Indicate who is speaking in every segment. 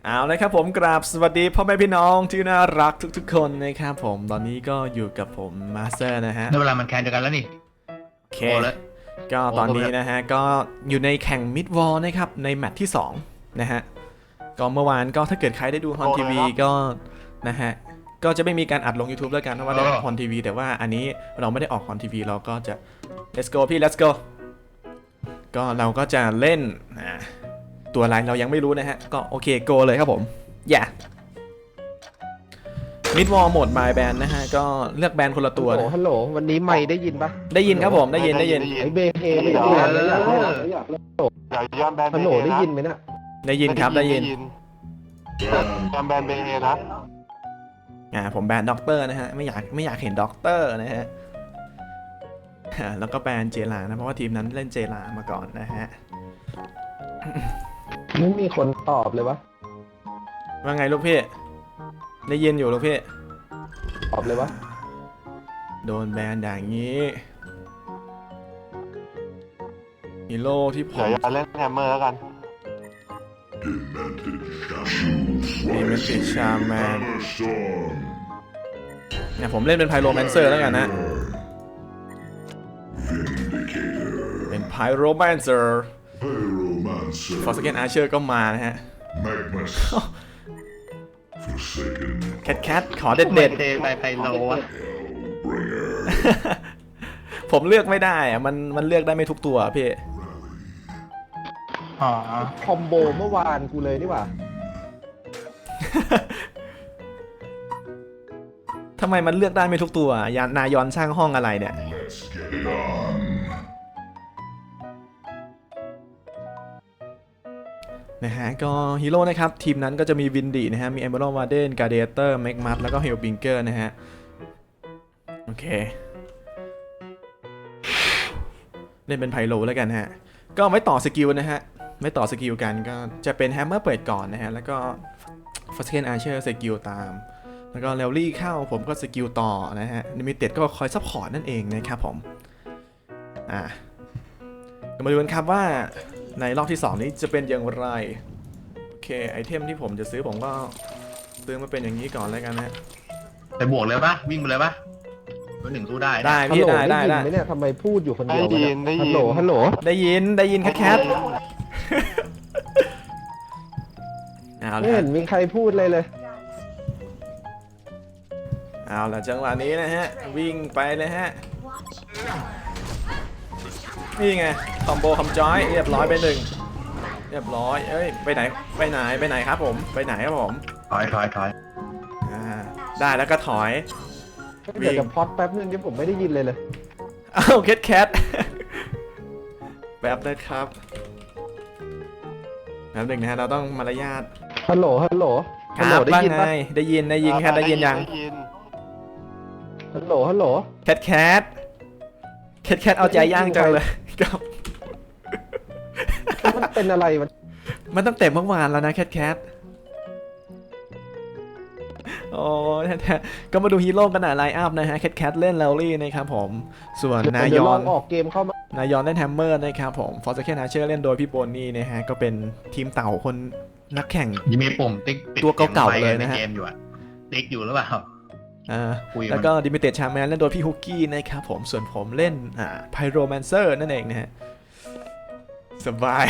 Speaker 1: เอาเลยครับผมกราบสวัสดีพ่อแม่พี่น้องที่น่ารักทุกๆคนนะครับผมตอนนี้ก็อยู่กับผมมาสเตอร์นะฮะ
Speaker 2: ได้เวลามันแข่งเดียวกันแล้วนี่
Speaker 1: โอเค
Speaker 2: โอ้แล้ว
Speaker 1: ก็ตอน
Speaker 2: โอ้ก็
Speaker 1: นี้นะฮะก็อยู่ในแข่งมิดวอลนะครับในแมตช์ที่2นะฮะก็เมื่อวานก็ถ้าเกิดใครได้ดูฮอนทีวีก็นะฮะก็จะไม่มีการอัดลง YouTube แล้วกันเพราะว่าได้ฮอนทีวีแต่ว่าอันนี้เราไม่ได้ออกฮอนทีวีเราก็จะ let's go พี่ let's go ก็เราก็จะเล่นตัวอะไรเรายังไม่รู้นะฮะก็โอเค go เลยครับผมอย่ามิดวอลโหมด My Band นะฮะก็เลือกแบนคนละตัวนะ
Speaker 3: ฮัลโหลวันนี้ไม่ได้ยินปะ
Speaker 1: ได้ยินครับผมได้ยิน
Speaker 3: ไอเบเฮไม่ได้ยินเลยอยาก
Speaker 4: อย่าย้อนแบนเบ
Speaker 3: ฮัลโหล
Speaker 4: เฮ
Speaker 3: ได้
Speaker 4: นะ
Speaker 3: ยินไหมน่ะ
Speaker 1: ได้ยินครับได้ยิน
Speaker 4: ย้อนแบนเบเฮนะ
Speaker 1: ผมแบนด็อกเตอร์นะฮะไม่อยากเห็นด็อกเตอร์นะฮะแล้วก็แบนเจลานะเพราะว่าทีมนั้นเล่นเจลามาก่อนนะฮะ
Speaker 3: ไม่มีคนตอบเลยวะ
Speaker 1: ว่าไงลูกพี่ได้ยินอยู่ลูกพี่
Speaker 3: ตอบเลยวะ
Speaker 1: โดนแบนอย่างนี้ฮีโร่ที่ผ
Speaker 4: เดี๋ยว
Speaker 1: ม
Speaker 4: อย่าเล่นแฮมเมอร์แล้วกัน
Speaker 1: มีเมจิชาแมนเนี่ยผมเล่นเป็นไพโรแมนเซอร์แล้วกันนะเป็นไพโรแมนเซอร์ฟอร์สเกนอาร์เชอร์ก็มานะฮะแคทขอเด็ด
Speaker 2: เทไปไพโลวะ
Speaker 1: ๆผมเลือกไม่ได้อะมันเลือกได้ไม่ทุกตัวพี่
Speaker 2: อ๋อ
Speaker 3: คอมโบเมื่อวานกูเลยนี่หว่า
Speaker 1: ทำไมมันเลือกได้ไม่ทุกตัวนายอนสร้างห้องอะไรเนี่ยนะฮะก็ฮีโร่นะครับทีมนั้นก็จะมีวินดีนะฮะมีเอเมอรัลด์วาเดนการ์เดเตอร์แม็กมัตแล้วก็เฮลบิงเกอร์นะฮะโอเคเล่นเป็นไพโลแล้วกันฮะก็ไม่ต่อสกิลนะฮะไม่ต่อสกิลกันก็จะเป็นแฮมเมอร์เปิดก่อนนะฮะแล้วก็ฟอสเคนอาร์เชอร์สกิลตามแล้วก็เรลลี่เข้าผมก็สกิลต่อนะฮะลิมิเต็ดก็คอยซัพพอร์ตนั่นเองนะครับผมก็มาดูกันครับว่าในรอบที่2นี้จะเป็นอย่างไรโอเคไอเทมที่ผมจะซื้อผมก็ซื้อมาเป็นอย่างนี้ก่อนแล้วกันนะ
Speaker 2: ไปบวกเลยปะวิ่งไปเลยปะตัวหนึ่งสู้ได้นะ
Speaker 1: ได้
Speaker 3: ฮัล
Speaker 1: พี่
Speaker 3: โหล
Speaker 1: ได้
Speaker 3: ได้ยินไหมเนี่ยทำไมพูดอยู่คนเดียววะเนี่ยฮัลโหลฮัลโหล
Speaker 1: ได้ยินแคทเอา
Speaker 3: ไม่
Speaker 1: ละ
Speaker 3: เห็นมีใครพูดเลย
Speaker 1: เอาละจังหวะนี้นะฮะวิ่งไปเลยฮะนี่ไงคอมโบคอมจอยเรียบร้อยไปหนึ่งเรียบร้อยเอ้ยไปไหนครับผมไปไหนครับผม
Speaker 2: ถอย
Speaker 1: ได้แล้วก็ถอย
Speaker 3: เดี๋ยวจะพอดแป๊บนึงที่ผมไม่ได้ยินเลย
Speaker 1: อ้าวแคทแบบนะครับแป๊บหนึ่งนะฮะเราต้องมารยาท
Speaker 3: ฮัลโหลฮัลโหล
Speaker 1: ค
Speaker 3: ฮัล
Speaker 1: รั
Speaker 3: โหล
Speaker 1: บ
Speaker 3: ได้
Speaker 1: ว่า
Speaker 3: ยิน
Speaker 1: ไง
Speaker 3: ปะ
Speaker 1: ได้ยินแคทได้ยินยัง
Speaker 3: ฮัลโหลฮัลโหล
Speaker 1: แคทเอาใจย่างจังเลยครับ
Speaker 3: มันเป็นอะไรมัน
Speaker 1: มันตั้งแต่เมื่อวานแล้วนะแคทโอ้แท้ๆก็มาดูฮีโร่กันหน่อยไลน์อัพนะฮะแคทเล่นแลลี่นะครับผมส่วนนาย
Speaker 3: เดี๋ยว
Speaker 1: อ
Speaker 3: ลอน งออกเกมเข้ามาน
Speaker 1: ายอนเล่นแฮมเมอร์นะครับผมฟอร์สเคนอาร์เชอร์เล่นโดยพี่โบนี่นะฮะก็เป็นทีมเต่าคนนักแข่ง
Speaker 2: ยังมีปุ่มติ๊กปิด
Speaker 1: ตัวเก่าๆเลยนะฮะ
Speaker 2: เกมอยู่อะติ๊กอยู่หรือเปล่า คุยมัน
Speaker 1: แล้วก็ดิมิเต็ดชาแมนเล่นโดยพี่ฮุกกี้นะครับผมส่วนผมเล่นไพโรแมนเซอร์นั่นเองนะฮะสบาย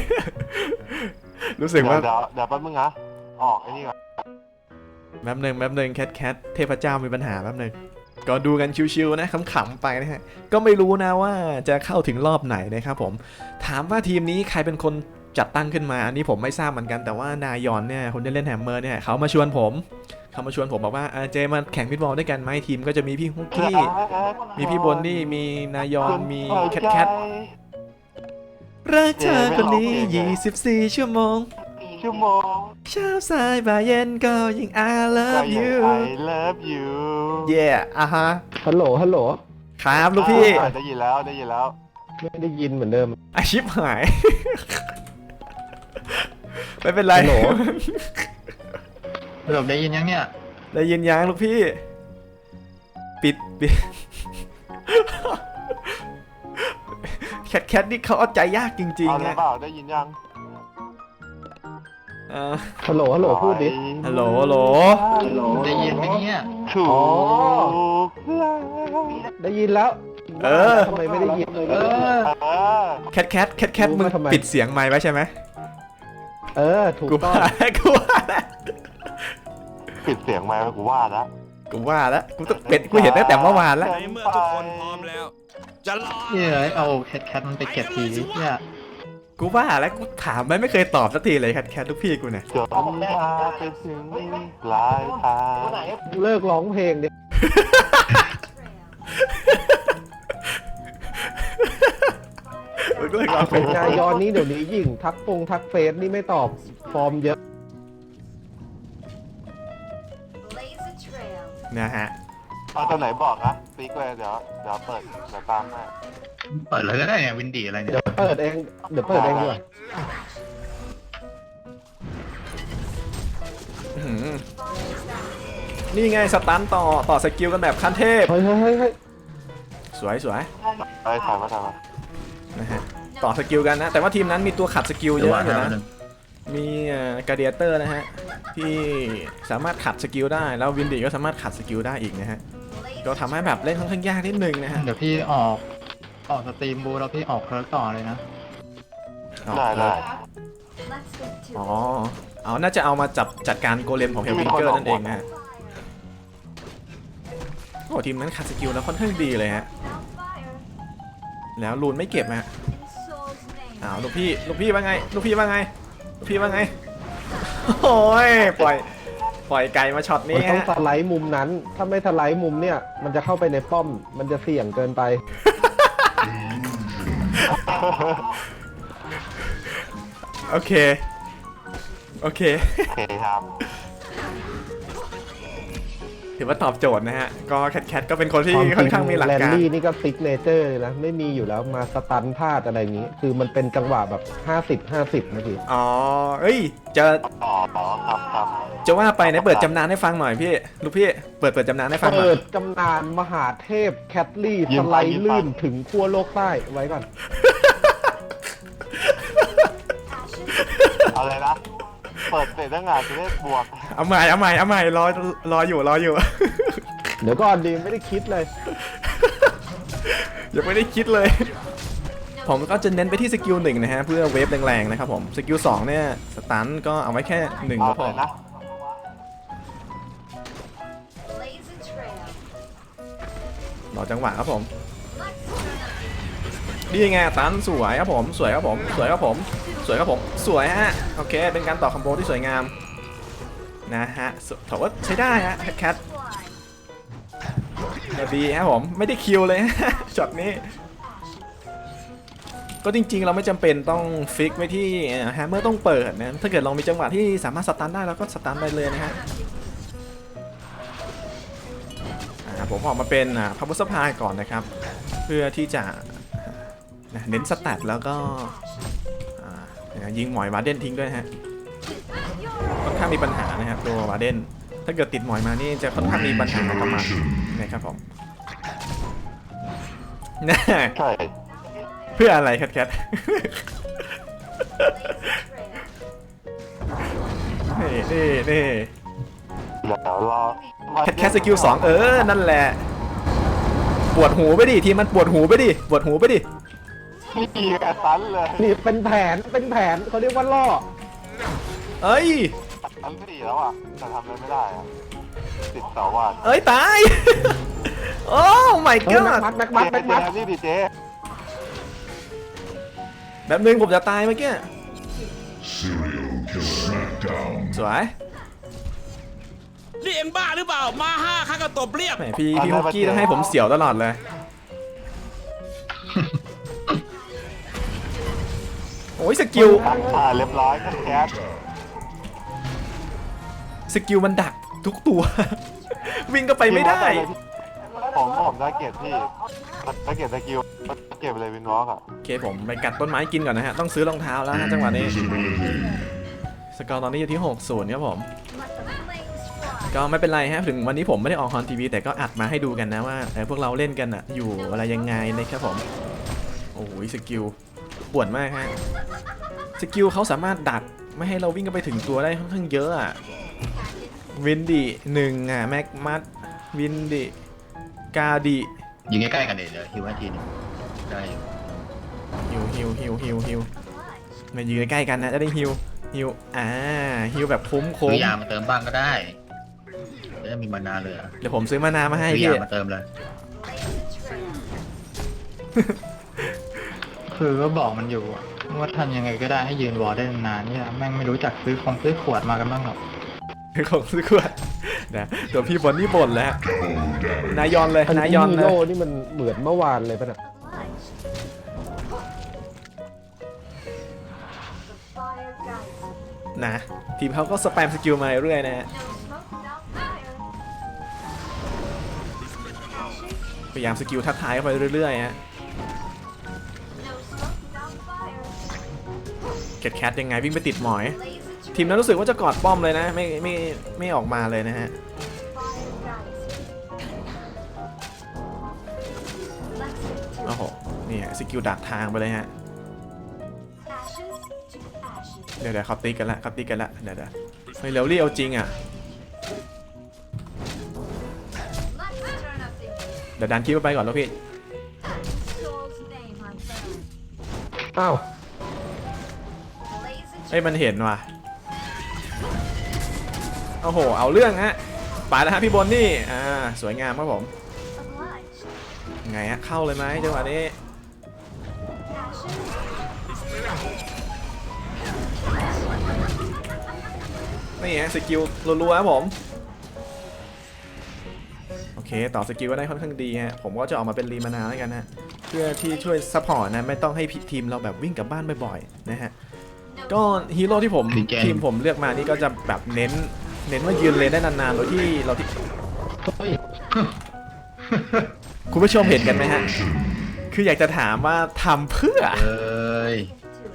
Speaker 1: รู้สึกว่า
Speaker 4: เดี๋ยวแป๊บนึงนะออกไอ้นี่ก่อน
Speaker 1: แป๊บหนึ่งแคทเทพเจ้ามีปัญหาแป๊บหนึ่งก็ดูกันชิวๆนะขำๆไปนะฮะก็ไม่รู้นะว่าจะเข้าถึงรอบไหนนะครับผมถามว่าทีมนี้ใครเป็นคนจัดตั้งขึ้นมาอันนี้ผมไม่ทราบเหมือนกันแต่ว่านายอนเนี่ยคนที่เล่นแฮมเมอร์เนี่ยเขามาชวนผมบอกว่าเจมาแข่งฟิตบอลด้วยกันไหมทีมก็จะมีพี่ฮุกกี้มีพี่บนนี่มีนายอนมีแคทรักเธอคนนี้24 ชั่วโมงเช้าสายบ่ายเย็นก็ยิ่ง I love you
Speaker 4: I love you
Speaker 1: yeah ฮะ
Speaker 3: ฮัลโหลฮัลโหล
Speaker 1: ครับลูกพี่
Speaker 4: ได้ยินแล้ว
Speaker 3: ไม่ได้ยินเหมือนเดิม
Speaker 1: อาชิบหาย ไม่เป็นไร
Speaker 3: ฮัลโหล
Speaker 2: สรุปได้ยินยังเนี่ย
Speaker 1: ได้ยินยังลูกพี่ ปิด แคทนี่เขาเอาใจยากจริง
Speaker 4: เอา
Speaker 1: ๆ
Speaker 4: เลย
Speaker 1: นะ
Speaker 4: เปล่าได้ยินยัง
Speaker 3: ฮัลโหลฮัลโหลพูดดิ
Speaker 1: ฮัลโหลฮัลโหล
Speaker 2: ได้ยินไหมเนี่ย
Speaker 4: ถูก
Speaker 3: อ๋อ
Speaker 4: แล้ว
Speaker 3: ได้ยินแล้วทำไมไม่ได้ยินเลย
Speaker 1: แคทมึงปิดเสียงไมค์ไว้ใช่ไหม
Speaker 3: ถูก
Speaker 1: กู
Speaker 3: ต้อ
Speaker 1: ว่าง แล้วกูว่าแล้ว
Speaker 4: ปิดเสียงไมค์กูว่าแล้ว
Speaker 1: กูว่าแล้วกูต้องเป็ดกูเห็นตั้งแต่เมื่อวานแล้ว
Speaker 5: ในเมื่อทุกคนพร้อมแล้ว จะรอ
Speaker 2: เฮ้ยเอาแคทมันไปเก็บทีเนี่ย
Speaker 1: กูว่าแล้วกูถามไม่เคยตอบสักทีเลยแคทลูกพี่กูเนี่ย
Speaker 4: จนพาไปถึงปลายทาง
Speaker 3: เลิกร้องเพลงดิ
Speaker 1: มึงก็เลยรอเป็
Speaker 3: นายอนนี้เดี๋ยวนี้ยิ่งทักเฟซนี่ไม่ตอบฟอร์มเยอะ
Speaker 6: Blaze a trail.
Speaker 1: นะฮะ
Speaker 4: เอาตัวไหนบอกนะติ๊กเลยเดี๋ยวเปิดเดี๋ยวตามให้
Speaker 2: เปิดเลยก็ได้เนี่ยวินดี้อะไรเนี่ย
Speaker 3: เดี๋ยวเปิดเองดีกว่า
Speaker 1: อื้อหือนี่ไงสตันต่อสกิลกันแบบขั้นเทพ
Speaker 3: เฮ้ย
Speaker 1: สวย
Speaker 4: ไปถ่ายมา
Speaker 1: นะฮะต่อสกิลกันนะ แต่ว่าทีมนั้นมีตัวขัดสกิลเยอะอยู่นะ มีกาเดียเตอร์นะฮะที่สามารถขัดสกิลได้แล้ววินดี้ก็สามารถขัดสกิลได้อีกนะฮะก็ทำให้แบบเล่นค่อนข้างยากนิดนึงนะฮะ
Speaker 2: เดี๋ยวพี่ออกสตรีมบูแล้วพี่ออกเพิร์กต่อเลยนะ
Speaker 4: ได้
Speaker 6: Let's get to
Speaker 1: อ๋อ
Speaker 6: it.
Speaker 1: เอาน่าจะเอามาจัดการโกเลมของเฮลวิงเกอร์นั่นเองนะฮะโอ้ทีมนั้นขัดสกิลแล้วค่อนข้างดีเลยฮะ
Speaker 6: Hellfire
Speaker 1: แล้วลูนไม่เก็บฮะ
Speaker 6: in Soul's name.
Speaker 1: อ้าวลูกพี่ว่าไงลูกพี่ว่าไงโอ้ยปล่อยไก่มาช็อต
Speaker 3: มัน
Speaker 1: นี้
Speaker 3: ต้อง
Speaker 1: ฮะ
Speaker 3: สไลด์มุมนั้น ถ้าไม่สไลด์มุมเนี่ย มันจะเข้าไปในป้อม มันจะเสี่ยงเกินไป
Speaker 1: โอเค
Speaker 4: โอเคครับ
Speaker 1: ถือว่าตอบโจทย์นะฮะก็แคทก็เป็นคนที่ค่อนข้างมีหลัก
Speaker 3: แลน
Speaker 1: การ
Speaker 3: ลี่นี่ก็ซิกเนเจอร์เลยนะ ไม่มีอยู่แล้วมาสตันพลาดอะไรอย่างนี้ คือมันเป็นจังหวะแบบ 50 นะพี่
Speaker 1: อ๋อเอ้ยจะ
Speaker 4: อ๋อครับ
Speaker 1: จะว่าไปไหนเปิดจำนานให้ฟังหน่อยพี่ลูกพี่เปิดจำนานให้ฟังหน่
Speaker 3: เปิ
Speaker 1: อย
Speaker 3: ดจำนานมหาเทพแคทลี่สไลด์ลื่นถึงขั้วโลกใต้ไว้ก่อน
Speaker 6: Passion.
Speaker 4: เอาเลยนะ เปิดเสร็จตั้งงานจะได้บวก
Speaker 1: เอาใหม่รออยู่
Speaker 3: เดี๋ยวก่อนดีไม่ได้คิดเลย
Speaker 1: ยังไม่ได้คิดเลย ผมก็จะเน้นไปที่สกิล1นะฮะเพื่อเวฟแรงๆนะครับผมสกิล2เนี่ยสตันก็เอาไว้แค่1
Speaker 4: เอา
Speaker 1: ก็พ
Speaker 4: เล
Speaker 1: อย
Speaker 4: นะ
Speaker 6: Blaze a trail.
Speaker 1: รอจังหวะครับผม
Speaker 6: Let's
Speaker 1: นี่ไงตันสวยครับผมสวยครับผมสวยฮะโอเคเป็นการต่อคอมโบที่สวยงามนะฮะถือว่าใช้ได้ฮะแคท
Speaker 6: fly.
Speaker 1: ดีครับผมไม่ได้คิวเลย ช็อตนี้ก็จริงๆเราไม่จำเป็นต้องฟิกไว้ที่แฮมเมอร์ต้องเปิดนะถ้าเกิดเรามีจังหวะที่สามารถสตันได้เราก็สตันไปเลยนะฮะผมออกมาเป็นพับเบิลสปายก่อนนะครับเพื่อที่จะเน้นสแตทแล้วก็ยิงหมอยวาเดนทิ้งด้วยนะฮะค่อนข้างมีปัญหานะครับตัววาเดนถ้าเกิดติดหมอยมานี่จะค่อนข้างมีปัญหากับมันนะครับผม
Speaker 4: ใช่
Speaker 1: เพื่ออะไรแคท
Speaker 6: Blaze a trail.
Speaker 1: นี่
Speaker 4: เดี๋ยวรอ
Speaker 1: แคทสกิล2นั่นแหละปวดหูไปดิทีมันปวดหูไปดิ
Speaker 4: นี่แกตันเลย
Speaker 3: นี่เป็นแผนเขาเรียกว่าล่อ
Speaker 1: เอ้ย
Speaker 4: ตันสี่แล้วอ่ะแต่ทำอะไรไม่ได้อ่ะติดเสาว่าน
Speaker 1: เอ้ยตาย โอ้ my
Speaker 3: เฮ้ย
Speaker 1: god
Speaker 3: แม็กมัด
Speaker 4: นี่ดิเจ๊
Speaker 1: แบบนึงผมจะตายเมื่อกี้สวย
Speaker 5: นี่เอ็งบ้าหรือเปล่า มา5 ข้าก็ตบเรียบ
Speaker 1: แหมพี่ฮุกกี้ต้องให้ผมเสียวตลอดเลย โอ้ยสกิล
Speaker 4: เรียบร้อยแคท
Speaker 1: สกิลมันดักทุกตัว วิ่งก็ไปไม่ได้
Speaker 4: ผมได้เก็บพี่ได้เก็บสกิลเก็บเลยวินวอล์กอ่ะ
Speaker 1: โอเคผมไปกัดต้นไม้กินก่อนนะฮะต้องซื้อรองเท้าแล้วฮะจังหวะนี้สกอร์ตอนนี้อยู่ที่6-0ครับผม
Speaker 6: Let the flames fly.
Speaker 1: ก็ไม่เป็นไรฮะถึงวันนี้ผมไม่ได้ออกคอนทีวีแต่ก็อัดมาให้ดูกันนะว่าพวกเราเล่นกันอะอยู่อะไรยังไงนะครับผมโอ้ยสกิลปวดมากฮะสกิลเขาสามารถดักไม่ให้เราวิ่งกันไปถึงตัวได้ค่อนข้างเยอะอ่ะวินดิหนึ่งอ่ะแม็กมัดวินดิกาดิ
Speaker 2: ยิงใกล้ๆกันเดี๋ยวฮิวให้ทีนึงได้อยู่
Speaker 1: ฮิวมายืนใกล้ๆกันนะจะได้ฮิวฮิวแบบคุ้ม
Speaker 2: ซื้อยามาเติมบ้างก็ได้จะได้มีมานาเหลือ
Speaker 1: เดี๋ยวผมซื้อมานามาให้
Speaker 2: ซื้อ
Speaker 1: พี่
Speaker 2: ยามาเติมเลย
Speaker 6: Blaze a trail.
Speaker 7: คือก็บอกมันอยู่อะว่าทำยังไงก็ได้ให้ยืนวอลได้นานๆเนี่ยแม่งไม่รู้จักซื้อขวดมากันบ้างหรอก
Speaker 1: ของซื้อขวดนะตัวพี่บอลนี่บ่นแล้วนายยอนเลย
Speaker 3: อัน
Speaker 1: นาย
Speaker 3: นี้
Speaker 1: ยอน
Speaker 3: ฮี
Speaker 1: เลย
Speaker 3: โร่นี่มันเหมือนเมื่อวานเลยป่ะน่ะ
Speaker 6: Obliged. The fire guides.
Speaker 1: นะทีมเขาก็สแปมสกิลมาเรื่อยๆนะ
Speaker 6: No smoke without fire. Ashes.
Speaker 1: พยายามสกิลทักทายเข้าไปเรื่อยๆฮะ
Speaker 6: No smoke without fire.
Speaker 1: เก็ตแคทยังไงวิ่งไปติดหมอย
Speaker 6: Blaze a
Speaker 1: ทีม
Speaker 6: trail.
Speaker 1: นั้นรู้สึกว่าจะกอดป้อมเลยนะไม่ออกมาเลยนะฮะ
Speaker 6: Fire guides. Let's
Speaker 1: โอ้โหนี่ฮะสกิลดักทางไปเลยฮะ
Speaker 6: ashes to ashes.
Speaker 1: เดี๋ยวเขาตีกันละเดี๋ยวเฮ้ยเร็วรีเอาจริงอ่ะ
Speaker 6: Let's turn up the heat.
Speaker 1: เดี๋ยวดันคิวไปก่อนแล้วพี่
Speaker 6: Soul's name I burn.
Speaker 3: อ้าว
Speaker 6: Blaze a
Speaker 1: เฮ้ยมันเห็นว่ะโอ้โหเอาเรื่องฮะไปแล้วฮะพี่บนนี่สวยงามครับผม
Speaker 6: obliged.
Speaker 1: ไงฮะเข้าเลยไหมจังหวะนี้
Speaker 6: Ashes.
Speaker 1: นี่ฮะสกิลรัวๆครับผมโอเคต่อสกิลก็ได้ค่อนข้างดีฮะผมก็จะออกมาเป็นรีมานาแล้วกันนะเพื่อที่ช่วยซัพพอร์ตนะไม่ต้องให้ทีมเราแบบวิ่งกลับบ้านบ่อยๆนะฮะก็ฮีโร่ที่ผมทีมผมเลือกมานี่ก็จะแบบเน้นว่ายืนเลนได้นานๆโดยที่เราที่
Speaker 3: เฮ้ย
Speaker 1: คุณผู้ชมเห็นกันไหมฮะคืออยากจะถามว่าทำเพื่อ
Speaker 2: เอ้ย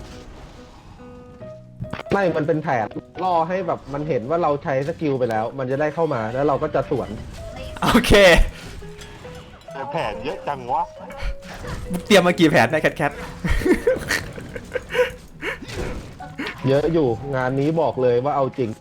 Speaker 3: ไม่มันเป็นแผนล่อให้แบบมันเห็นว่าเราใช้สกิลไปแล้ว มันจะได้เข้ามาแล้วเราก็จะสวน
Speaker 1: โอเค
Speaker 4: แต่แผนเยอะจังวะ
Speaker 1: เตรียมมากี่แผนได้แคท
Speaker 3: เยอะอยู่งานนี้บอกเลยว่าเอาจริง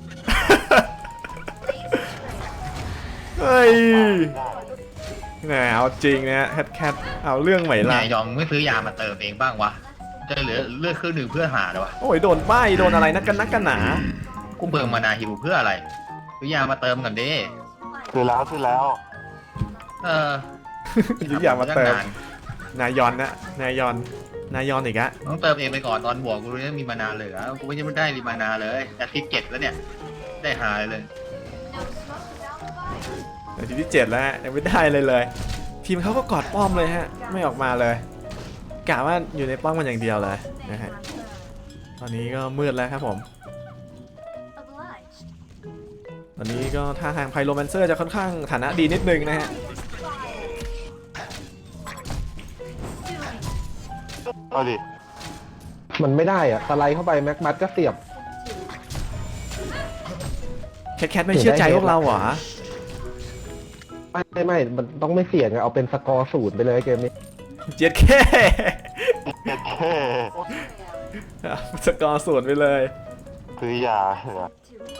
Speaker 1: เฮ้ยแหมเอาจริงนะแคทเอาเรื่องใหม่ละ
Speaker 2: นายยอมไม่ซื้อยามาเติมเองบ้างวะจะเหลือเลือดครึ่งหนึ่งเพื่อหาเลยวะ
Speaker 1: โอ้ยโดนป้ายโดนอะไรนักกันหนา
Speaker 2: กูเบิงมานาฮิวเพื่ออะไรซื้อยามาเติมกันดิ
Speaker 4: ซื้อแล้ว
Speaker 2: เออ
Speaker 1: ยุยอย่างมาเติม
Speaker 2: นน
Speaker 1: นายยอนนะนายยอนอีกอะ
Speaker 2: ต้องเติมเองไปก่อนตอนบวกกูรู้ว่ามีมานาเหลือกูไม่ได้รีมานาเลยแต่ที่เจ็ดแล้วเนี่ยได้หาเลย
Speaker 6: No smoke without fire.
Speaker 1: นาทีที่7แล้วฮะยังไม่ได้เลย ทีมเขาก็กอดป้อมเลยฮะไม่ออกมาเลยกะว่าอยู่ในป้อมกันอย่างเดียวเลย
Speaker 6: Name
Speaker 1: นะฮะ
Speaker 6: I burn.
Speaker 1: ตอนนี้ก็มืดแล้วครับผม
Speaker 6: Obliged.
Speaker 1: ตอนนี้ก็ท่าทางไพโรแมนเซอร์จะค่อนข้างฐานะดีนิดนึงนะฮะ
Speaker 6: Fire. Consuming.
Speaker 4: เอาดิ
Speaker 3: มันไม่ได้อะสไลด์เข้าไปแม็กมัดก็เสียบ
Speaker 1: แคทไม่เชื่อใจพวกเราเหรอ
Speaker 3: ไม่มันต้องไม่เสี่ยงอะเอาเป็นสกอร์0ไปเลยเกมนี้
Speaker 1: เจ็ดแค่
Speaker 4: เจ็ดแค่
Speaker 1: สกอร์0ไปเลย
Speaker 4: ซื้อยาเหรอ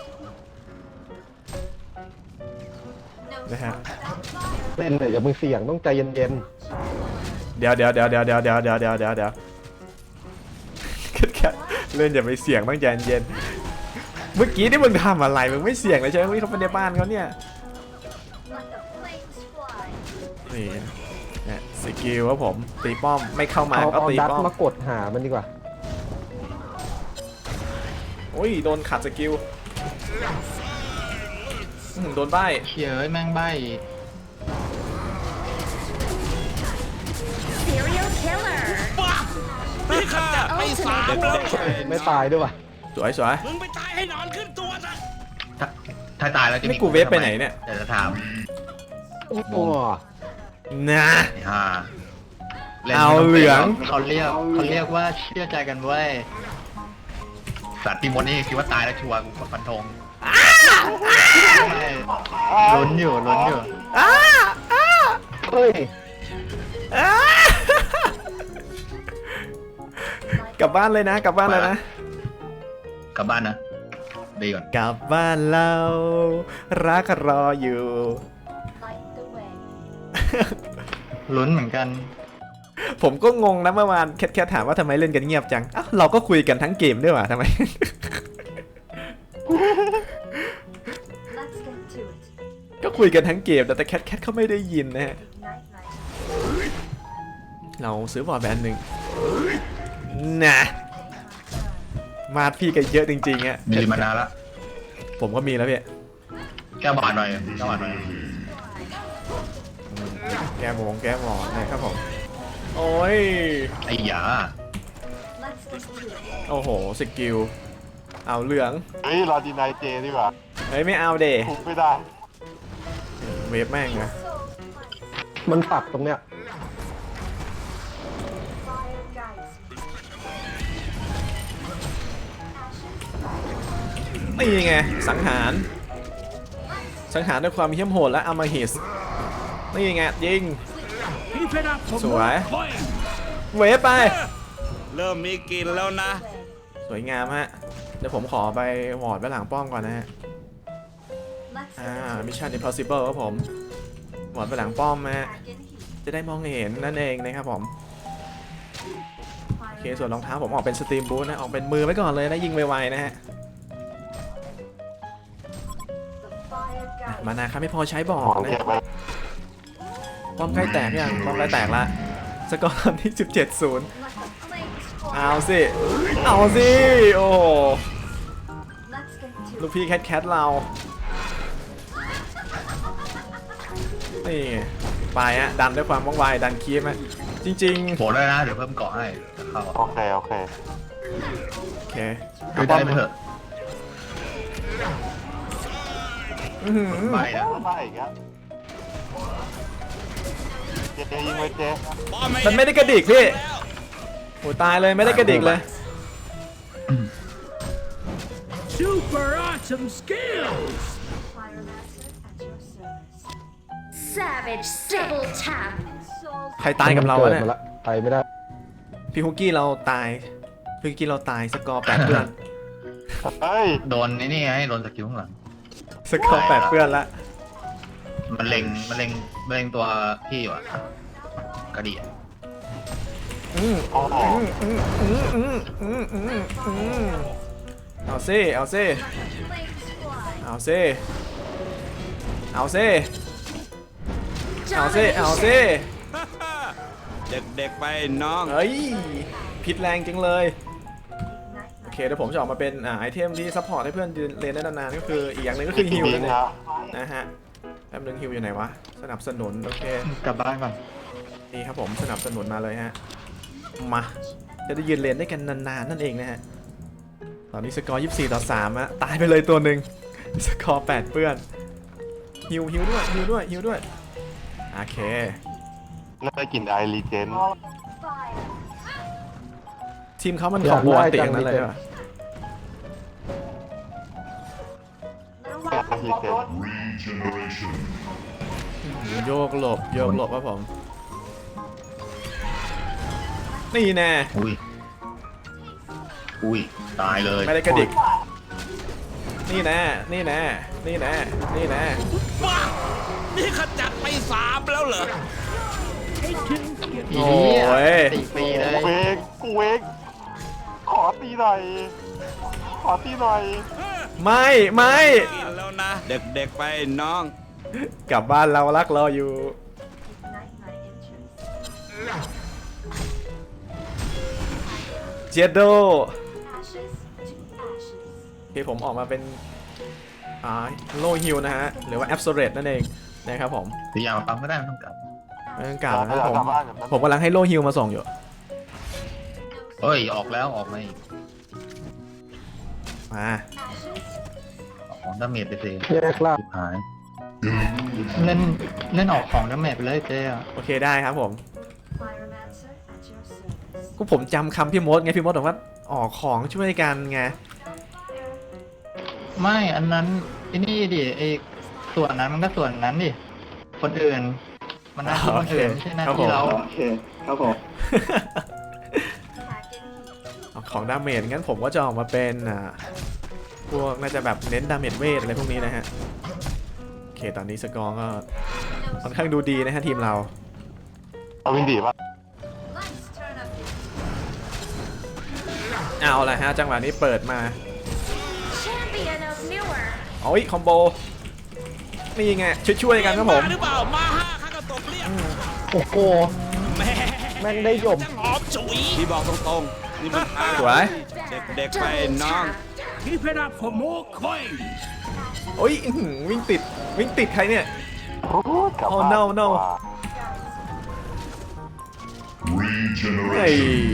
Speaker 6: No
Speaker 1: นะฮะ
Speaker 6: smoke without fire.
Speaker 3: เล่นเลยอย่ามึงเสี่ยงต้องใจเย็น
Speaker 1: เดี๋ยวแคทเล่นอย่าไปเสี่ยงต้องใจเย็นเมื่อกี้นี่มึงทำอะไรมึงไม่เสี่ยงเลยใช่ไหมวิ่งเข้าไปในบ้านเขาเนี่ย
Speaker 6: Let the flames fly.
Speaker 1: นี่นะสกิลครับผมตีป้อมไม่เข้า
Speaker 3: ๆ
Speaker 1: มา
Speaker 3: เอา
Speaker 1: ก็
Speaker 3: เอา
Speaker 1: ตี
Speaker 3: ดัต
Speaker 1: ป้อม
Speaker 3: มากดหามันดีกว่า
Speaker 1: โอ้ยโดนขัดสกิลโดนใบ้
Speaker 7: เชียร์แม่งใบ
Speaker 5: บ้านี่ข้าไปสามแล้ว
Speaker 3: ไม่ตายด้วยว่ะ
Speaker 1: สวย
Speaker 5: มึงไปตายให้นอนขึ้นตัวซะ
Speaker 2: ถ้าตายแล้วจะ
Speaker 1: นี่กูเวฟไปไหนเนี่ย
Speaker 2: เดี๋ยวจะถาม
Speaker 3: โอ้โห
Speaker 1: นะ
Speaker 2: ไอ้ห่าล่น
Speaker 1: เอา
Speaker 2: ไม่ต้
Speaker 1: เหลือง
Speaker 7: เขาเรียกว่าเชื่อใจกันเว้ย
Speaker 2: สัตว์ที่มดนี่คิดว่าตายแล้วชัวร์กูฟันธง
Speaker 7: ลุ้นอยู่
Speaker 3: เฮ้ย
Speaker 1: กลับบ้านเลยนะ
Speaker 2: กลับบ้านนะดีก่อน
Speaker 1: กลับบ้านเรารักรออยู่
Speaker 6: Light the way.
Speaker 7: ลุ้นเหมือนกัน
Speaker 1: ผมก็งงนะเมื่อวานแคทถามว่าทำไมเล่นกันเงียบจังอ้าวเราก็คุยกันทั้งเกมด้วยว่ะทำไม
Speaker 6: Let's get to it.
Speaker 1: ก็คุยกันทั้งเกมแต่แคทเขาไม่ได้ยินนะฮะ
Speaker 6: Night night.
Speaker 1: เราซื้อบอร์ดแบนด์หนึ่งนะมาดพี่กันเยอะจริงๆอะ
Speaker 2: มีลิมานาละ
Speaker 1: ผมก็มีแล้วพี่
Speaker 2: แก้วบาดหน่อยแก้วบาดหน่อย
Speaker 1: แก้หมอนนะครับผม โอ้ย
Speaker 2: ไอ้หยา
Speaker 6: Let's get to it.
Speaker 1: โอ้โห สกิล เอาเหลือง
Speaker 4: เฮ้ยรอดีนายเจดีกว่า
Speaker 1: เฮ้ย ไม่เอาเด
Speaker 4: คุมไม่ได้
Speaker 1: เวฟแม่งนะ
Speaker 3: มันปักตรงเนี้ย
Speaker 6: Fire guides me.
Speaker 1: นี่ไง สังหารด้วยความเหี้ยมโหดและอำมหิส นี่ไง ยิง
Speaker 5: Keep it up for
Speaker 1: สวย
Speaker 5: more points
Speaker 1: เวฟไป
Speaker 5: เริ่มมีกลินแล้วนะ
Speaker 1: สวยงามฮะ เดี๋ยวผมขอไปวอร์ดไว้หลังป้อมก่อนนะฮะ
Speaker 6: Let's
Speaker 1: มิชชั่น impossible ครับผมวอร์ดไปหลังป้อมนะฮะ
Speaker 6: pack in heat.
Speaker 1: จะได้มองเห็นนั่นเองนะครับผม โอเค ส่วนรองเท้าผมออกเป็นสตรีมบูทนะ ออกเป็นมือไว้ก่อนเลยนะ ยิงไวๆนะฮะ
Speaker 6: The fire guides
Speaker 1: มานาครับไม่พอใช้บอก
Speaker 4: ของ
Speaker 1: นะ
Speaker 4: เก็บไป
Speaker 1: ป้อมใกล้แตกยังป้อมใกล้แตกละสกอร์ตอนที่ 17-0
Speaker 6: Let the flames pour.
Speaker 1: เอาสิ เอาสิ โอ้โห
Speaker 6: Let's get to
Speaker 1: ลูก
Speaker 6: it.
Speaker 1: พี่แคทเรา นี่ไปฮะดันด้วยความว่องไวดันคีฟฮะจริง
Speaker 2: โผล่ได้นะ เดี๋ยวเพิ่มเกาะให้จะเข้า
Speaker 4: โอเคโอเค
Speaker 1: ๆ โอเค
Speaker 2: คือได้ไปเถอะ
Speaker 1: อื้อหือ
Speaker 2: ไม่นะ
Speaker 4: มาอีกแล้วเจยิงไว้เจ
Speaker 1: มันไม่ได้กระดิกพี่โอ้ตายเลยไม่ได้กระดิกเลย
Speaker 5: Super awesome skills
Speaker 6: Fire master at your service.
Speaker 8: Savage double tap.
Speaker 6: Souls
Speaker 1: ใครตายกับเราวะเนี่ย
Speaker 3: มักิดมละไปไม่ได้
Speaker 1: พี่ฮุกกี้เราตายพี่ฮุกกี้เราตายสกอร์8เพื่อน
Speaker 4: เฮ้ย
Speaker 2: โดนไอ้นี่ไงโดนสกิลข้างหลัง
Speaker 1: สกอร์8เพื่อนละ
Speaker 2: มันเล็งตัวพี่อยู่อะกระดิ่ง
Speaker 1: อืม
Speaker 4: โอ้โห
Speaker 1: เอาซิเอาซิ
Speaker 6: flames fly.
Speaker 1: เอาซิเอาซิเอาซิเอาซิ
Speaker 5: เด็กๆไปน้อง
Speaker 1: เฮ้ยพิษแรงจังเลย
Speaker 6: Night
Speaker 1: โอ
Speaker 6: night.
Speaker 1: เคเดี๋ยวผมจะออกมาเป็นไอเทมที่ซัพพอร์ตให้เพื่อนเรียนได้นานๆก็คืออีกอย่างหนึ่งก็คือฮิล
Speaker 4: บิ
Speaker 1: นั่
Speaker 4: ง
Speaker 1: นเอง
Speaker 4: ครับ
Speaker 1: นะฮะแป๊บนึงฮิลอยู่ไหนวะสนับสนุนโอเค
Speaker 7: กลับบ้านก่อน
Speaker 1: นี่ครับผมสนับสนุนมาเลยฮะมาจะได้ยืนเรียนได้กันนานๆนั่นเองนะฮะตอนนี้สกอร์24-3อะตายไปเลยตัวหนึ่งสกอร์8เปื้อนฮิวด้วยโอเค
Speaker 4: แล้วได้กลิ่นไอรีเจน
Speaker 6: Fire.
Speaker 1: ทีมเขามันของวอนติอย่างนั้นเลยเหรอ
Speaker 6: Little
Speaker 4: รีเจน
Speaker 1: โยกหลบครับผมนี่แน่
Speaker 2: อุ้ยตายเลย
Speaker 1: ไม่ได้กระดิกนี่แน่
Speaker 5: ว้านี่ขจัดไป3แล้วเหรอ
Speaker 1: โอ้ย
Speaker 7: ตีฟรีเลย
Speaker 4: กูเวกขอตีหน่อย
Speaker 1: ไม่
Speaker 5: กินแล้วนะ เด็กๆไปน้อง
Speaker 1: กลับบ้านเรารักรออยู่
Speaker 6: ignite my interest.
Speaker 1: เจโด
Speaker 6: Ashes to ashes.
Speaker 1: โอเคผมออกมาเป็นโลฮิลนะฮะหรือว่าแอ s โซเรตนั่นเองนะครับผม
Speaker 2: พยายามมาปั๊มก็ได้ไม่ต้องกลับ
Speaker 1: ไม่ต้องกล่าวนะ
Speaker 4: เรา
Speaker 1: ผม
Speaker 4: กลับบ้านกันนะ
Speaker 1: ผมกำลังให้โลฮิลมาส่งอยู่
Speaker 2: เฮ้ยออกแล้วออกมาอีก
Speaker 1: มา
Speaker 2: ออกของดาเมจไปสิ
Speaker 3: แยกล่าง
Speaker 2: ชิบหาย
Speaker 7: เล่นออกของดาเมจไปเลยเจ๊อะ
Speaker 1: โอเคได้ครับผม
Speaker 6: Pyromancer at your service.
Speaker 1: ก็ผมจำคำพี่มดไงพี่มดบอกว่าออกของช่วยกันไง
Speaker 7: ไม่อันนั้นไอ้นี่ดิไอ้ส่วนนั้นมันก็ส่วนนั้นดิคนอื่น มันหน้าที่คนอื่นไม่ใช่หน้าที่เรา
Speaker 6: Pack in heat.
Speaker 1: ของดาเมจงั้นผมก็จะออกมาเป็นพวกน่าจะแบบเน้นดาเมจเวทอะไรพวกนี้นะฮะโอเคตอนนี้สกอร์ก็ค่อนข้างดูดีนะฮะทีมเรา
Speaker 4: เอาวินดีป่ะ
Speaker 6: Nice turn up.
Speaker 1: เอาละฮะจังหวะนี้เปิดมา
Speaker 8: Champion of Newer.
Speaker 1: โอ้ยคอมโบนี่ไงช่วยๆกันครับผม
Speaker 5: หรือเปล่ามาห้าข้าก็ตบเรียบ
Speaker 3: โอ้โห
Speaker 5: แม่
Speaker 3: แม่งได้หย่ม
Speaker 5: จังหอมฉุยพี่บอกตรงๆนี่มัน
Speaker 1: สวย
Speaker 5: เด็กๆไป
Speaker 8: Double
Speaker 5: น้อง
Speaker 8: tap.
Speaker 5: Keep it up for more coins
Speaker 1: โอ้ยอื้อหือวิ่งติดใครเนี่ย
Speaker 4: โอ้โหกลับ
Speaker 1: Oh
Speaker 4: บ้าน
Speaker 1: no no
Speaker 4: ดีกว่า
Speaker 1: เฮ้ย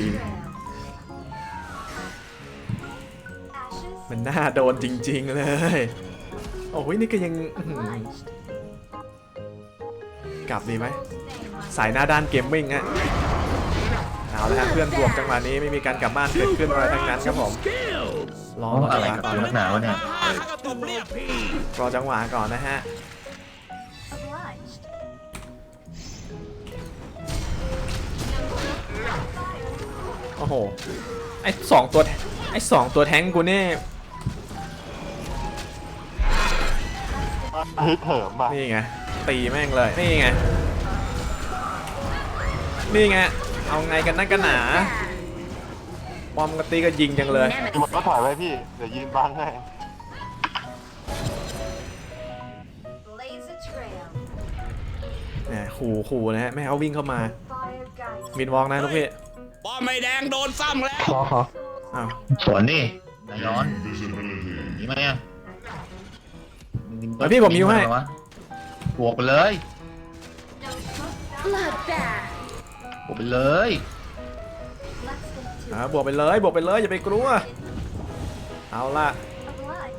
Speaker 6: Ashes.
Speaker 1: มันน่าโดนจริงๆเลยโอ้ยนี่ก็ยังอื้อหือ
Speaker 6: Obliged.
Speaker 1: กลับดีไหม
Speaker 6: Stay my
Speaker 1: สายหน้าด้านเกมมิ่งฮะเอาละฮะเพื่อนบวกจังหวะนี้ไม่มีการกลับบ้านเกิดขึ้นอะไรทั้งนั้นครับผมรอ
Speaker 2: อะไร
Speaker 1: จังหวะ
Speaker 2: กับ
Speaker 1: ก่อน
Speaker 2: กูนักหนาวะเนี่ย
Speaker 5: ห้าข้าก็ตบเรียบพี่
Speaker 1: รอจังหวะก่อนนะฮะ
Speaker 6: obliged.
Speaker 1: โอ้โหไอ้สองตัวแท้งกูเนี่ย
Speaker 4: ฮึดเหิมป่ะ
Speaker 1: นี่ไงตีแม่งเลยนี่ไงนี่ไงเอาไงกันนักกันหนาปอมกตีก็ยิงจังเลย
Speaker 4: พี่มันก็ถอยไว้พี่ เดี๋ยวยืนบังให้
Speaker 6: Blaze a trail.
Speaker 1: แหมขู่นะฮะไม่ให้เขาวิ่งเข้ามา
Speaker 6: Fire guides.
Speaker 1: มินวอล์กนะลูกพี่
Speaker 5: ป้อมไม่แดงโดนซ้ำแล้ว
Speaker 3: ขอ
Speaker 1: อ้าว
Speaker 2: สวนนี่นายย้อนนี่ไหมอ่ะ
Speaker 1: เฮ้ยพี่ผมยิ้วให้
Speaker 2: วะบวกไปเลย
Speaker 6: No smoke.
Speaker 8: Bloodbath.
Speaker 2: บวกไปเลย
Speaker 6: Let's get to
Speaker 1: บวกไปเลยอย่าไปกลัวเอาล่ะ
Speaker 6: obliged.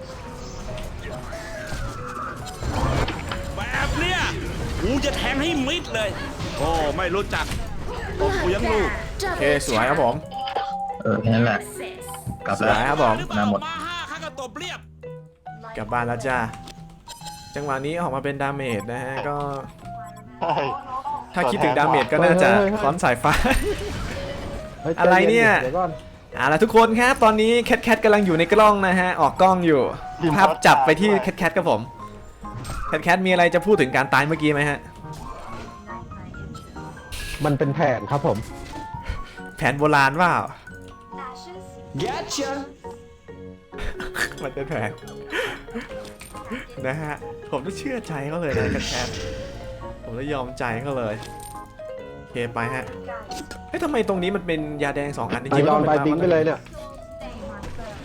Speaker 5: แบบเนี้ยกูจะแทงให้มิดเลย โอ้ไม่รู้จักตบกูยังลูก
Speaker 8: Bloodbath.
Speaker 1: โอเค
Speaker 8: Double
Speaker 1: สวยครับผม
Speaker 2: แค่นั้นแหละ
Speaker 8: assist.
Speaker 2: กลับ
Speaker 1: สว
Speaker 2: แล้
Speaker 1: ยว ครับผม
Speaker 5: หรือเปล่า
Speaker 2: มาหมด
Speaker 5: มาห้าข้าก็ตบเรียบ
Speaker 1: กลับบ้านแล้วจ้าจังหวะนี้ออกมาเป็นดาเมจนะฮะก็
Speaker 4: ใช่
Speaker 1: ถ้าคิดถึงดาเมจก็น่าจะค้อนสายฟ้า
Speaker 3: เฮ้ย
Speaker 1: อะไรเนี่ย
Speaker 3: เดี๋ยวก่อน
Speaker 1: เอาล่ะทุกคนครับตอนนี้แคทกำลังอยู่ในกล้องนะฮะออกกล้องอยู่ภาพจับไปที่แคทครับผมแคทมีอะไรจะพูดถึงการตายเมื่อกี้ไหมฮะ
Speaker 6: Ignite my interest.
Speaker 3: มันเป็นแผนครับผม
Speaker 1: แผนโบราณว่า
Speaker 6: Ashes.
Speaker 1: มันเป็นแผนนะฮะผมต้องเชื่อใจเขาเลยนะแคทผมต้องยอมใจเขาเลยโอเคไปฮะ
Speaker 6: Guides.
Speaker 1: เฮ้ยทำไมตรงนี้มันเป็นยาแดง2 อันจ
Speaker 3: นาย
Speaker 1: ริงๆ
Speaker 3: ยอม
Speaker 1: มั
Speaker 3: ไป
Speaker 1: น
Speaker 3: ทิ้งไปเลยเนี่ย
Speaker 6: Stay my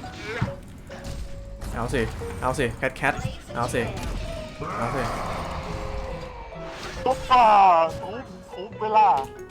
Speaker 6: firm.
Speaker 1: เอาสิแคท
Speaker 6: Blaze a
Speaker 1: เอาสิ
Speaker 6: trail.
Speaker 1: เอาสิ
Speaker 4: ตุ๊บป่าทุบเวลา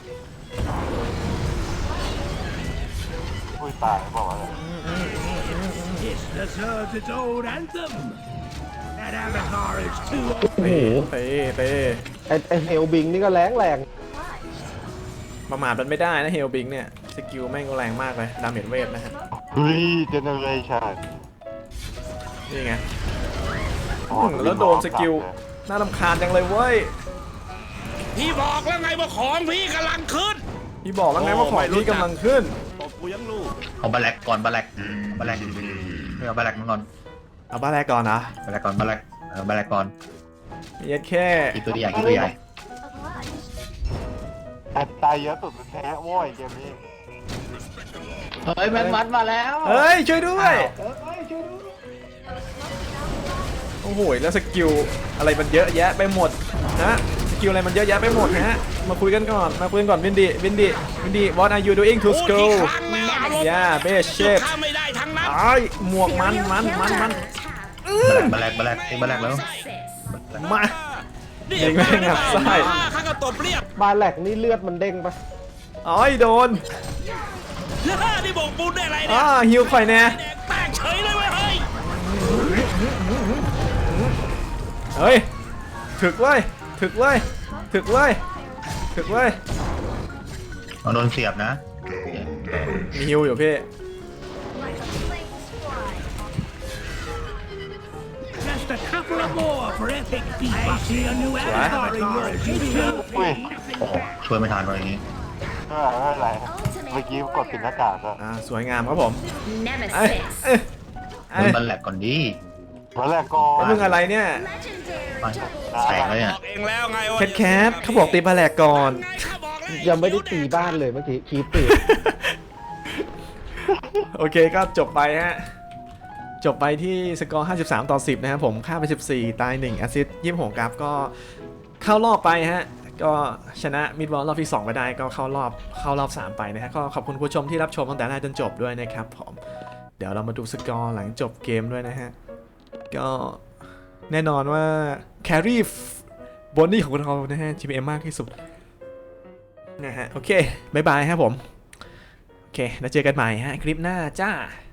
Speaker 4: อุ้ยตายบอกว่า
Speaker 5: It deserves its own anthem That avatar is too
Speaker 1: เตะ
Speaker 3: ไอเฮลบิงนี่ก็แรง
Speaker 6: Obliged.
Speaker 1: ประมาทมันไม่ได้นะเฮลบิงเนี่ยสกิลแม่งก็แรงมากเลยดาเมจเวทนะฮะ
Speaker 4: เฮ้ยเจเนเรชั่น
Speaker 1: นี่ไง แล้วโดนสกิลน่ารำคาญจังเลยเว้ย
Speaker 5: พี่บอกแล้วไงว่าของพี่กำลังขึ้น
Speaker 1: พี่บอกแล้วไงว่าของพี่กำลังขึ้น
Speaker 5: ตบกูยังลูก
Speaker 2: เอาบาแลกก่อนบาแลกไม่เอาบาแลกมาก่อน
Speaker 1: เอาบ้าแรกก่อนนะ
Speaker 2: บาแลกก่อนบาแลกบาแลกก่อน
Speaker 1: ยัดแค่
Speaker 2: อีกตัวใหญ่อีกตัวใหญ่
Speaker 6: Obliged.
Speaker 4: แอดตายเยอะสุดแท้โว้ยเกมนี้
Speaker 7: เฮ้ยแมนมัดมาแล้ว
Speaker 1: เฮ้ยช่วยด้วยโอ้โหแล้วสกิลอะไรมันเยอะแยะไปหมดนะสกิลอะไรมันเยอะแยะไปหมดฮะมาคุยกันก่อนวินดี what are you doing to
Speaker 5: พูด
Speaker 1: school
Speaker 5: กี่ครั้งแล้วอารมณ์
Speaker 1: yeah best
Speaker 5: หยุด
Speaker 1: shape
Speaker 5: ข้าไม่ได้ทั้งนั้น
Speaker 1: ไอ้หมวกมัน
Speaker 8: Serial killer. Double tap.
Speaker 2: บาแลกบาแลกแล้ว
Speaker 8: Assist.
Speaker 1: มา
Speaker 5: นี่
Speaker 1: เด็กแม่งงับไส้
Speaker 5: มาห้าข้าก็ตบเรียบ
Speaker 3: บาแหลกนี่เลือดมันเด้งปะ
Speaker 1: อ๋อยโดน
Speaker 5: นี่บอกปูนได้อะไรเนี่ย
Speaker 1: ฮิวไฟแน่
Speaker 5: แตกเฉยเลยเว้ยเฮ้ย
Speaker 1: เฮ้ยถึกเว้ย
Speaker 2: โดนเสียบนะ
Speaker 1: มีฮิวอยู่พี่
Speaker 6: Like a flames fly.
Speaker 5: Just a couple of more for epic beat. I see a new avatar in your kitchen.
Speaker 4: อุ้ย
Speaker 2: โอ้โหช่วยไม่ทันเลยอย่างนี้
Speaker 4: ไม่เป็นไร
Speaker 8: Ultimate
Speaker 4: เมื่อกี้กดปิดหน้ากากอะ
Speaker 1: สวยงามครับผม
Speaker 8: Nemesis.
Speaker 2: มึงบันแหลกก่อนดี
Speaker 4: วันแรกก่อน
Speaker 1: แล้วมึงอะไรเนี่ย
Speaker 8: Legendary
Speaker 2: แตกแล้ว
Speaker 8: double.
Speaker 2: เนี่ย
Speaker 5: บอกเองแล้วไงว่า
Speaker 1: แคทเขาบอกตีบาแหลกก่อน
Speaker 5: ไงเขาบอกแล้ว
Speaker 3: ยังไม่ได้ตีบ้านเลยเมื่อกี้คีบตี
Speaker 1: โอเคก็จบไปฮะ จบไปที่สกอร์ 53-10 นะครับผมฆ่าไป 14 ตาย 1 แอสซิสต์26ครับก็เข้ารอบไปฮะ ก็ชนะมิดวอลรอบที่ 2 ไปได้ก็เข้ารอบ 3 ไปนะฮะก็ขอบคุณผู้ชมที่รับชมตั้งแต่แรกจนจบด้วยนะครับผมเดี๋ยวเรามาดูสกอร์หลังจบเกมด้วยนะฮะ ก็แน่นอนว่าแครี่บอนนี่ของเรานะฮะ GPM มากที่สุดนะฮะโอเคบายบายครับผม โอเคแล้วเจอกันใหม่ฮะคลิปหน้าจ้า